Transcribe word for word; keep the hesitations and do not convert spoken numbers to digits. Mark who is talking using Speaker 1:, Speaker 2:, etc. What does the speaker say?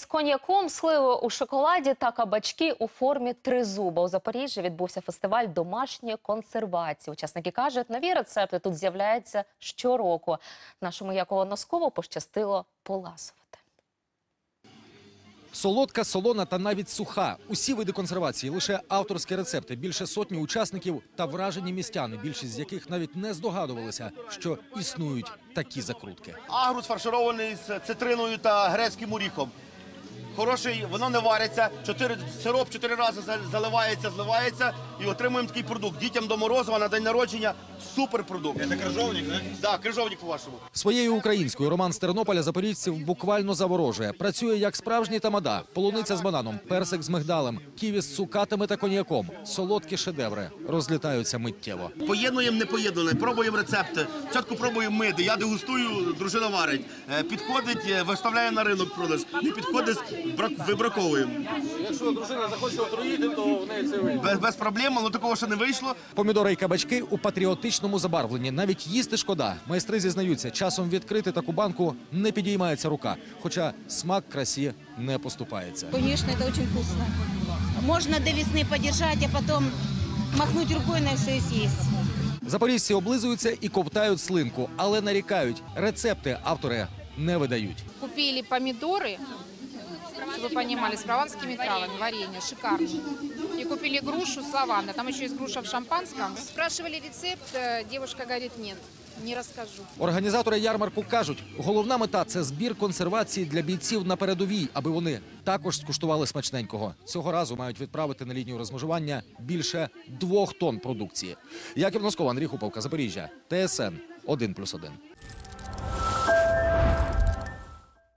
Speaker 1: коньяком, сливою у шоколаді та кабачки у формі тризуба. У Запоріжжі відбувся фестиваль домашньої консервації. Учасники кажуть, нові рецепти тут з'являються щороку. Нашому Якову Носкову пощастило поласувати.
Speaker 2: Солодка, солона та навіть суха. Усі види консервації, лише авторські рецепти. Більше сотні учасників та вражені містяни, більшість з яких навіть не здогадувалися, що існують такі закрутки.
Speaker 3: Агрус фарширований з цитриною та грецьким оріхом. Хороший, воно не вариться, чотири, сироп чотири рази заливається, зливається і отримуємо такий продукт. Дітям до Морозова на день народження супер продукт.
Speaker 4: Це крижовник, так?
Speaker 3: Так, крижовник по-вашому.
Speaker 2: Своєю українською Роман з Тернополя запоріжців буквально заворожує. Працює як справжній тамада. Полуниця з бананом, персик з мигдалем, ківі з цукатами та коньяком. Солодкі шедеври розлітаються миттєво.
Speaker 3: Поєднуємо непоєднане, пробуємо рецепти. Спочатку пробуємо ми, я дегустую, дружина варить. Підходить, виставляє на ринок продаж. Не підходить, вибраковуємо.
Speaker 4: Якщо дружина захоче отруїти, то в неї це вийде.
Speaker 3: Без, без проблем, але такого ще не вийшло.
Speaker 2: Помідори і кабачки у патріотичному забарвленні. Навіть їсти шкода. Майстри зізнаються, часом відкрити таку банку не підіймається рука. Хоча смак красі не поступається.
Speaker 5: Конечно, это очень вкусно. Можно до весны подержать, а потом махнуть рукой на все и съесть.
Speaker 2: Запоріжці облизуються і ковтають слинку, але нарікають. Рецепти автори не видають.
Speaker 6: Купили помидоры, чтобы вы понимали, с прованскими травами, варенье, шикарное. И купили грушу с лавандой, там еще есть груша в шампанском. Спрашивали рецепт, девушка говорит, нет, не розкажу.
Speaker 2: Організатори ярмарку кажуть, головна мета – це збір консервації для бійців на передовій, аби вони також скуштували смачненького. Цього разу мають відправити на лінію розмежування більше двох тонн продукції. Яків Носков, Андрій Хуповка, Запоріжжя, Т С Н один плюс один.